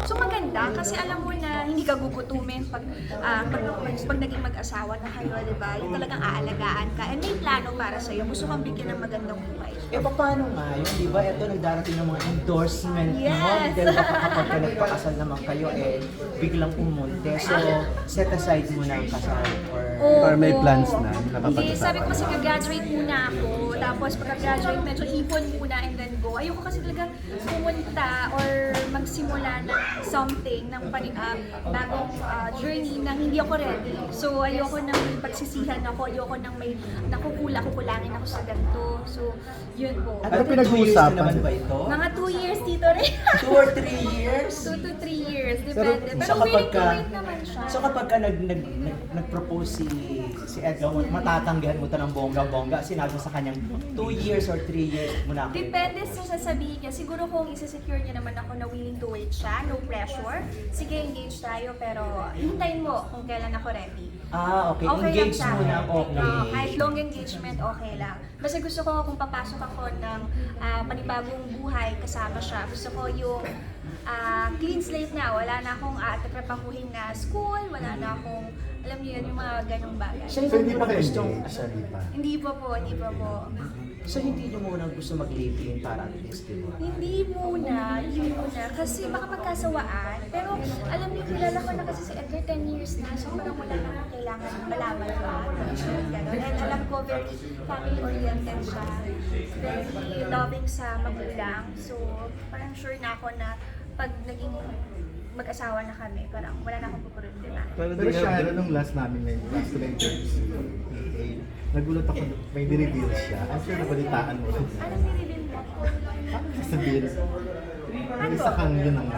So maganda kasi alam mo na hindi ka gugutumin pag naging mag-asawa na kayo, di ba? Yung talagang aalagaan ka and may plano para sa'yo. Gusto kang bigyan ng magandang buhay. Paano nga yun, di ba? Ito, nagdarating ng mga endorsement mo. Yes. Dahil baka kapag ka nagpakasal naman kayo, biglang umunti. So, set aside mo na ang kasal. Or may plans na, Hindi, nakapag-usapan sabi ko kasi na. graduate muna ako. Tapos pagka-graduate, medyo ipon muna and then go. Ayoko kasi talaga pumunta or magsimula ng something, ng bagong journey nang hindi ako ready. So ayoko nang may pagsisihan ako, ayoko nang may kukulangin ako sa ganito. So yun po. At Ano 2 pinag-uusapan? years na naman ba ito? Mga 2 years dito rin. 2 or 3 years? 2 to 3 years, depende. Pero So kapag willing to ka, wait naman siya. so kapag ka nag-propose si Edgar, matatanggihan mo ito ng bongga-bongga, sinabi mo sa kanyang 2 years or 3 years mo na ako. Depende sa sasabihin niya. Siguro kung isa-secure niya naman ako na willing to wait siya, no pressure. Sige, engage tayo, pero hintayin mo kung kailan ako ready. Okay. Okay Engage lang sa muna, akin. okay. Kahit long engagement, okay lang. Basta gusto ko kung papasok ako ng panibagong buhay kasama siya. Gusto ko yung clean slate na. Wala na akong tatrapahuhin na school, wala na akong, alam niyo yun, yung mga ganong bagay. So, So, hindi pa kayo gustong, hindi pa. Hindi pa po, hindi pa po. so hindi nyo muna gusto mag-live-in para at least, di ba? Hindi muna. Kasi baka magkasawaan. Pero alam niyo, kilala ko na kasi si Edgar 10 years na. So parang wala naman kailangan malaman pa. And alam ko, very family-oriented siya. Very loving sa magulang. So parang sure na ako na pag naging mag-asawa na kami, parang wala na akong pupurutin. Pero Sharon, nung last namin, last ko na interview si PA, nagulat ako, may nireveal siya. I'm sure nabalitaan mo. Anong nilibin mo? Paano sasabihin? May isa kang yun ang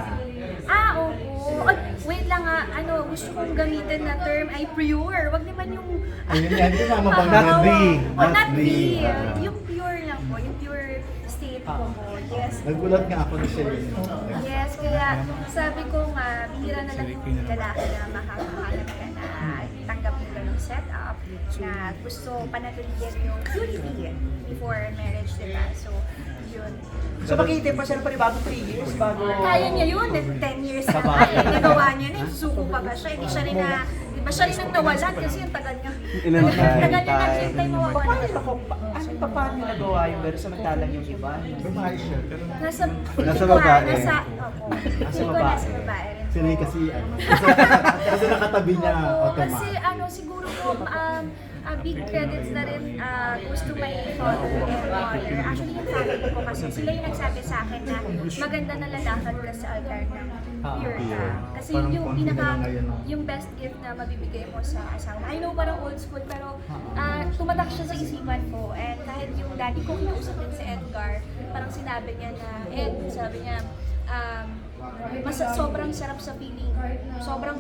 Oo. Ay, wait lang gusto kong gamitin na term ay pure. Wag naman yung... Ayun yan, yun ang mabang Oo. not be. Not be. Ah. Yung pure lang po, yung pure state ko po. Yes. Nagulat nga ako na siya yun. Yes, kaya sabi ko nga, bihira na lang yung lalaki na makakahanap ka na tanggap yung ganong setup na gusto panatilihan yung purity before marriage, diba? So, yun. So makikita pa siya ng panibagong 3 years bago... Kaya niya yun, 10 years na kaya. Nagawa niya na, suko pa ba siya? Hindi siya rin na, di ba siya rin ang nawalan kasi yung tagal niya. Tagal niya naghintay mawawalan. Paano niya nagawa yung pero samantalang yung iba? Babae siya, pero Nasa babae. Opo. Nasa babae rin. si Ray kasi, kasi nakatabi niya Kasi automatic. siguro po, big credits na rin goes to my father and mother. Actually, yung family ko kasi sila yung nagsabi sa akin na maganda na lalakad ka sa altar ng pure ka. Kasi Parang yung konti na pinaka, lang ngayon, no? yung best gift na mabibigay mo sa asawa. I know parang old school, pero tumatak siya sa isipan ko. And kahit yung daddy ko, kinausap din si Edgar, parang sinabi niya na, sabi niya, sobrang sarap sa feeling. Sobrang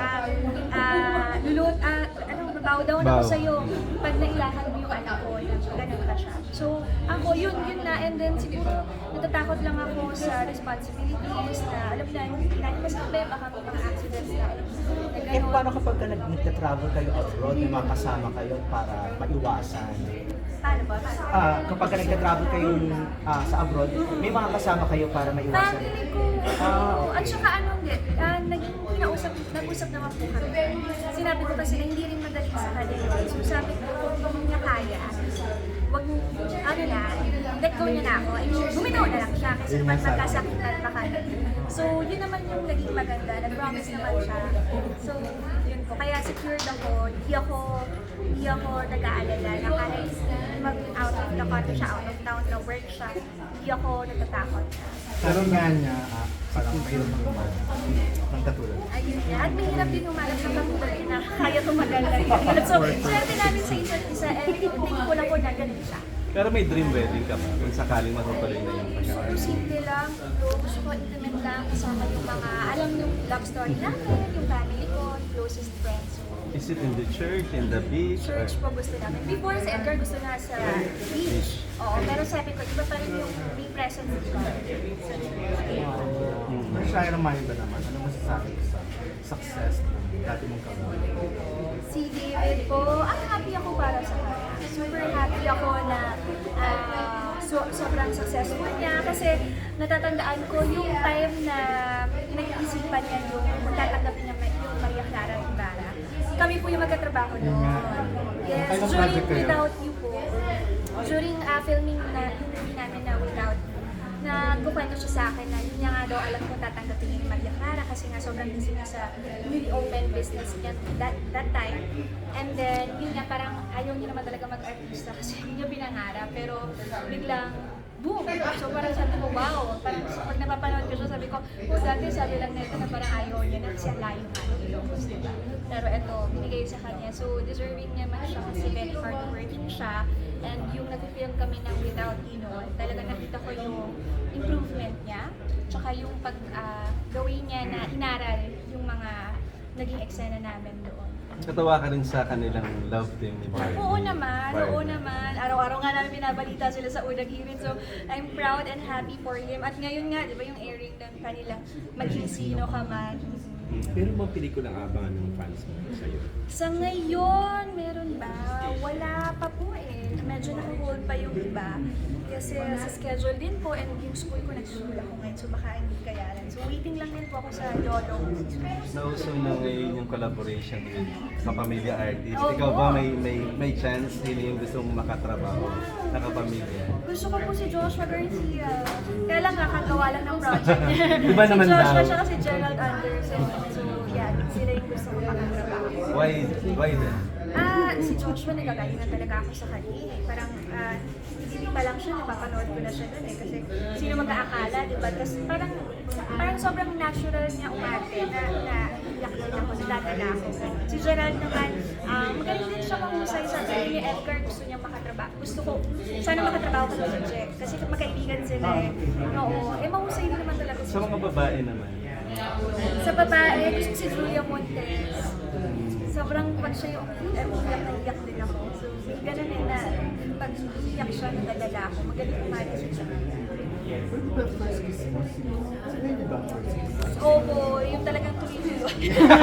babaw daw na ako sa'yo pag nailakan mo yung anak ko na ganun ka siya. So, ako, yun na. And then, siguro, natatakot lang ako sa responsibilities na, alam na, hindi natin masabi, baka may mga accidents na ganun. Paano kapag ka nag-travel kayo abroad, may mga kasama kayo para maiwasan? Paano ba? Kapag ka nag-travel kayo sa abroad, may mga kasama kayo para maiwasan? Family ko. At saka nag-usap naman po kami. Sinabi ko kasi na hindi rin madali sa kanila. So sabi ko, kung niya kaya, wag, let go niya na ako. I mean, bumitaw na lang siya kasi naman magkasakitan pa kami. So yun naman yung naging maganda. Nag-promise naman siya. So yun po. Kaya secured ako. Hindi ako nag-aalala na kahit mag-out of the country siya, out of town na work siya, hindi ako natatakot. Pero nga niya, parang mahirap mag-umaga. Ang katulad. Ayun niya. At mahirap din humanap sa patuloy na kaya tumagal na rin. So, swerte namin sa isa't isa and thankful ako na ganun siya. Pero may dream wedding ka ba kung sakaling matutuloy na yung Siguro pagkakaroon? simple lang, gusto ko intimate lang kasama yung mga, alam yung love story namin, yung family ko, closest friends. So, Is it in the church, in the beach? or- church po gusto namin. Before si Edgar gusto na sa beach. Oo, pero sabi ko, iba pa rin yung may presence of God. Pero Sharon, ba naman? Ano masasabi ko sa success ng dati mong kawan? Si David po, happy ako para sa kanya. Super happy ako na sobrang successful niya kasi natatandaan ko yung time na nag-iisip kami magkatrabaho Yun noon. nga. Yes, Anong during project kayo? Without You po. During filming na yung movie namin na Without You, nagkukwento siya sa akin na yun niya nga daw alam ko tatanggapin niya ni Maria Clara kasi nga sobrang busy niya sa newly open business niya that time. And then, yun nga parang ayaw niya naman talaga mag-artista kasi hindi niya pinangarap. Pero biglang boom! So parang sabi ko, wow! Parang pag napapanood ko siya, sabi ko, dati sabi lang nito na parang ayaw niya na kasi ang layo nga ng Ilocos, diba? Pero eto, binigay sa kanya. So deserving niya man siya kasi very hardworking siya. And yung nag-film kami ng Without You noon, talaga nakita ko yung improvement niya. Tsaka yung gawin niya na inaral yung mga naging eksena namin doon. Katawa ka rin sa kanilang love team ni Barbie. Oo naman, Barbie. oo naman. Araw-araw nga namin binabalita sila sa unang hirit. So, I'm proud and happy for him. At ngayon nga, di ba yung airing ng kanilang Maging Sino Ka Man. Pero mga pelikulang abangan ng fans mo sa'yo? Sa ngayon, meron ba? Wala pa po eh. Medyo naka-hold pa yung iba. Kasi sa schedule din po and yung school ko nagsusul ako ngayon. So baka hindi kayanan. So waiting lang din po ako sa Lolo. Nauso na ngayon yung collaboration with kapamilya artist. Oo. Ikaw ba may chance sino yung gusto mong makatrabaho na kapamilya? Gusto ko po si Joshua Garcia. Kaya lang kakagawa lang ng project. Iba naman si Joshua daw. siya kasi Gerald Anderson. So yeah, sila yung gusto ko makatrabaho. Why then? Si Joshua nagagaling na talaga ako sa kanya eh. Parang hindi pa lang siya, napapanood ko na siya nun eh. Kasi sino mag-aakala, di ba? Tapos parang sobrang natural niya umarte na iyak din ako, nadadala ako. Si Gerald naman, magaling din siya mahusay sa sabi ni Edgar, gusto niya makatrabaho. Gusto ko, sana makatrabaho ko sa Jack. Kasi magkaibigan sila eh. Oo, mahusay din naman talaga Sa mga babae naman. Sa babae, gusto ko si Julia Montes. Sobrang pag siya yung umiyak na iyak din ako. So, may ganun eh na pag iyak siya, nadadala ako. Magaling umalis siya. Pwede ba first kiss mo si Lady ba first kiss? Opo, yung talagang tuloy-tuloy.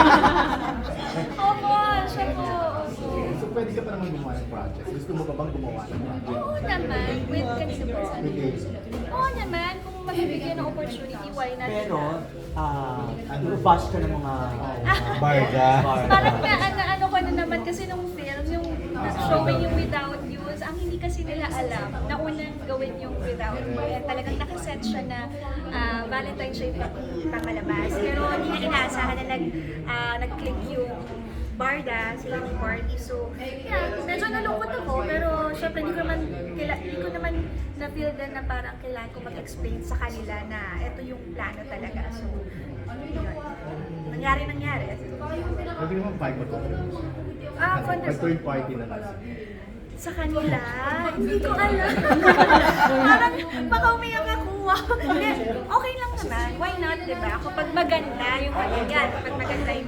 Opo, siya po. Opo. So pwede ka pa naman gumawa ng project? Gusto mo ba bang gumawa ng project? Oo naman, with kanino po. With Lady. Oo naman, kung magbibigyan ng opportunity, why not? Pero, bash ka ng mga Barda. Parang ano ko na naman kasi nung film, yung showing yung Without You, ang hindi kasi nila alam na unang gawin yung Without You. Kaya talagang nakaset siya na Valentine's siya yung pangalabas. Pero hindi na inaasahan na nag-click yung Barda, sila yung party. So, yeah, medyo nalungkot ako, pero syempre hindi ko naman na-feel din na parang kailangan ko mag-explain sa kanila na ito yung plano talaga. So, yun. Nangyari. Pwede naman vibe mo to. Wonderful. Third party na lang. Sa kanila, hindi ko alam. Parang baka umiyak ako. Hindi, okay lang naman. Why not, diba? Kapag maganda yung kanya, kapag maganda yung